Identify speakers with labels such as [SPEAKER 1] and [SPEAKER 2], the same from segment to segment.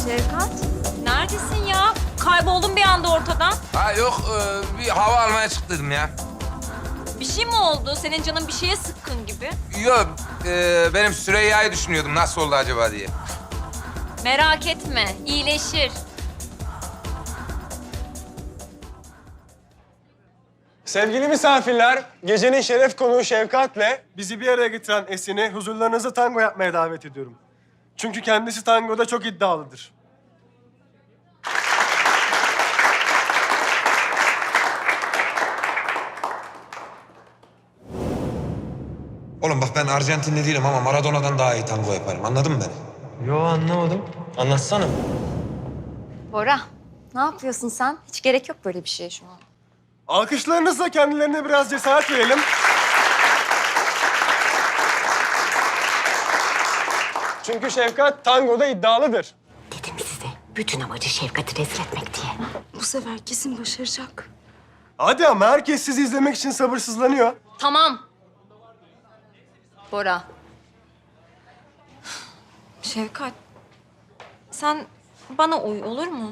[SPEAKER 1] Şevkat, neredesin ya? Kayboldun bir anda ortadan.
[SPEAKER 2] Ha yok, bir hava almaya çıktım ya.
[SPEAKER 1] Bir şey mi oldu? Senin canın bir şeye sıkkın gibi.
[SPEAKER 2] Yok, benim Süreyya'yı düşünüyordum nasıl oldu acaba diye.
[SPEAKER 1] Merak etme, iyileşir.
[SPEAKER 3] Sevgili misafirler, gecenin şeref konuğu Şevkat'le bizi bir araya getiren Esin'i huzurlarınızda tango yapmaya davet ediyorum. Çünkü kendisi tangoda çok iddialıdır.
[SPEAKER 4] Oğlum bak ben Arjantinli değilim ama Maradona'dan daha iyi tango yaparım. Anladın mı beni?
[SPEAKER 5] Yo anlamadım. Anlatsana.
[SPEAKER 6] Bora, ne yapıyorsun sen? Hiç gerek yok böyle bir şeye şu an.
[SPEAKER 3] Alkışlarınızla kendilerine biraz cesaret verelim. Çünkü Şevkat tangoda iddialıdır.
[SPEAKER 7] Dedim size, bütün amacı Şevkat'i rezil etmek diye.
[SPEAKER 8] Bu sefer kesin başaracak.
[SPEAKER 3] Hadi ama herkes sizi izlemek için sabırsızlanıyor.
[SPEAKER 1] Tamam.
[SPEAKER 6] Bora,
[SPEAKER 1] Şevkat, sen bana uy olur mu?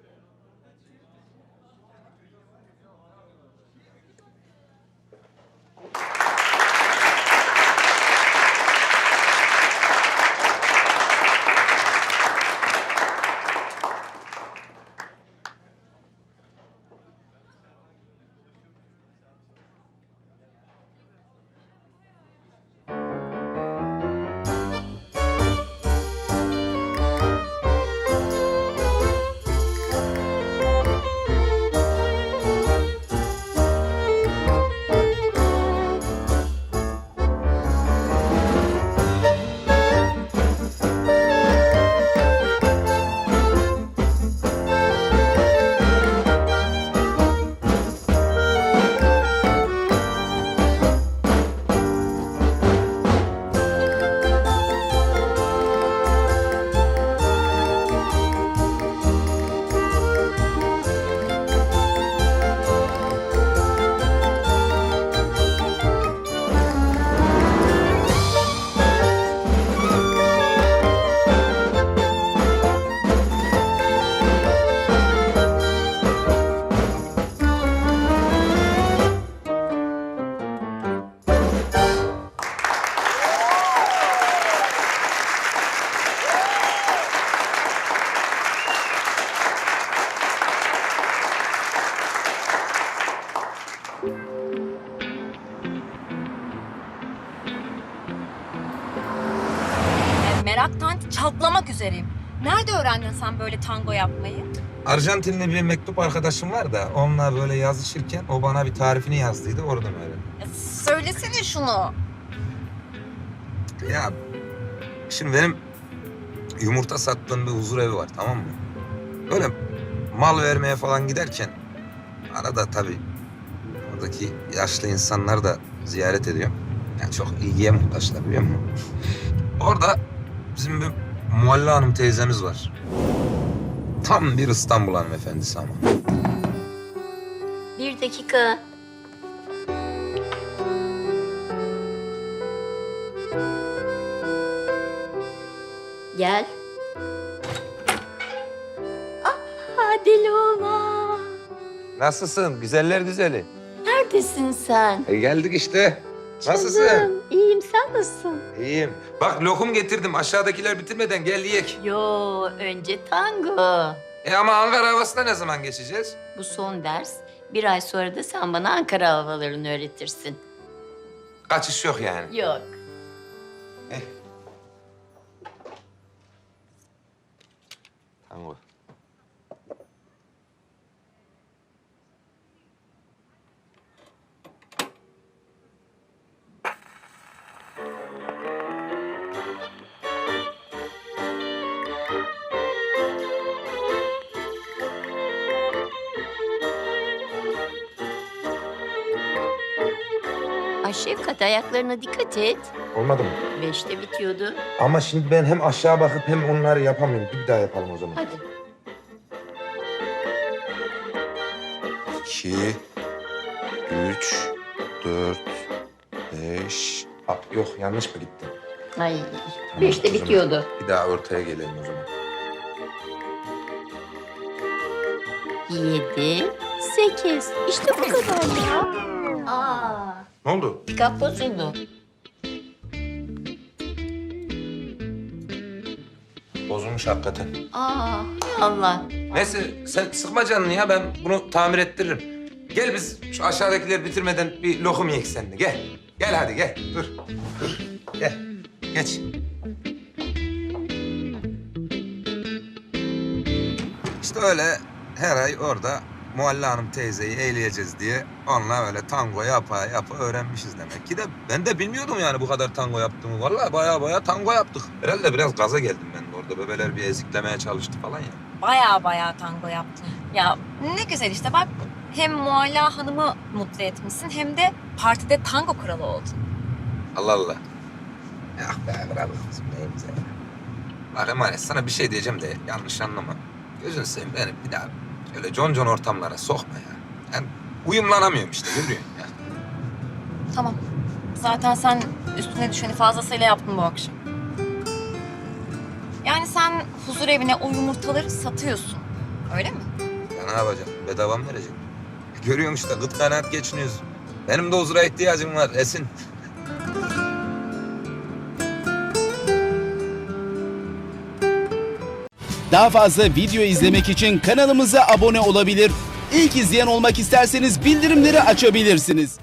[SPEAKER 1] Meraktan çatlamak üzereyim. Nerede öğrendin sen böyle tango yapmayı?
[SPEAKER 2] Arjantinli bir mektup arkadaşım var da onunla böyle yazışırken o bana bir tarifini yazdıydı, oradan öğrendim.
[SPEAKER 1] Ya söylesene şunu.
[SPEAKER 2] Ya şimdi benim yumurta sattığım bir huzur evi var, tamam mı? Böyle mal vermeye falan giderken arada tabii oradaki yaşlı insanlar da ziyaret ediyor. Yani çok ilgiye muhtaçlar, biliyor musun? Orada bizim bir Mualla Hanım teyzemiz var. Tam bir İstanbul hanımefendisi ama.
[SPEAKER 7] Bir dakika. Gel. Ah, deli oğlan.
[SPEAKER 2] Nasılsın? Güzeller güzeli.
[SPEAKER 7] Neredesin sen?
[SPEAKER 2] Geldik işte. Nasılsın?
[SPEAKER 7] Canım, iyiyim. Sen nasılsın?
[SPEAKER 2] İyiyim. Bak lokum getirdim. Aşağıdakiler bitirmeden gel yiyek.
[SPEAKER 7] Yo, önce tango.
[SPEAKER 2] Ama Ankara havasına ne zaman geçeceğiz?
[SPEAKER 7] Bu son ders. Bir ay sonra da sen bana Ankara havalarını öğretirsin.
[SPEAKER 2] Kaçış yok yani.
[SPEAKER 7] Yok.
[SPEAKER 2] Tango.
[SPEAKER 7] Ay Şefkat, ayaklarına dikkat et.
[SPEAKER 2] Olmadı mı?
[SPEAKER 7] 5'te bitiyordu.
[SPEAKER 2] Ama şimdi ben hem aşağı bakıp hem onları yapamıyorum. Bir daha yapalım o zaman.
[SPEAKER 7] Hadi.
[SPEAKER 4] 2, 3, 4, 5.
[SPEAKER 2] Yok, yanlış mı gitti?
[SPEAKER 7] Ay,
[SPEAKER 2] Tamam,
[SPEAKER 7] 5'te
[SPEAKER 2] o zaman
[SPEAKER 7] bitiyordu.
[SPEAKER 2] Bir daha ortaya gelelim o zaman.
[SPEAKER 7] 7, 8. İşte bu kadar ya. Aa,
[SPEAKER 4] Ne oldu?
[SPEAKER 7] pikap bozuldu.
[SPEAKER 4] Bozulmuş hakikaten.
[SPEAKER 7] Aa, Allah.
[SPEAKER 2] Neyse sen sıkma canını ya, ben bunu tamir ettiririm. Gel biz şu aşağıdakileri bitirmeden bir lokum yiyek seninle. Gel. Gel hadi gel. Dur. Dur. Gel. Geç. İşte öyle her ay orada Muhalle Hanım teyzeyi eğleyeceğiz diye onunla öyle tango yapa yapa öğrenmişiz demek ki de ben de bilmiyordum yani bu kadar tango yaptığımı. Vallahi baya tango yaptık. Herhalde biraz gaza geldim ben de orada. Bebeler bir eziklemeye çalıştı falan ya.
[SPEAKER 1] Baya tango yaptın. Ya ne güzel işte bak. Hem Mualla Hanım'ı mutlu etmişsin hem de partide tango kralı oldun.
[SPEAKER 2] Allah Allah. Ya be bravo kızım neyimize ya. Bak emanet sana bir şey diyeceğim de yanlış anlama. Gözünü seveyim beni bir daha öyle concon ortamlara sokma ya. Ben uyumlanamıyorum işte görüyorsun ya.
[SPEAKER 1] Tamam. Zaten sen üstüne düşeni fazlasıyla yaptın bu akşam. Yani sen huzur evine o yumurtaları satıyorsun. Öyle mi?
[SPEAKER 2] Ya ne yapacağım? Bedava mı vereceğim? Görüyorsun işte gıt kanaat geçiniyoruz. Benim de huzura ihtiyacım var Esin.
[SPEAKER 9] Daha fazla video izlemek için kanalımıza abone olabilir. İlk izleyen olmak isterseniz bildirimleri açabilirsiniz.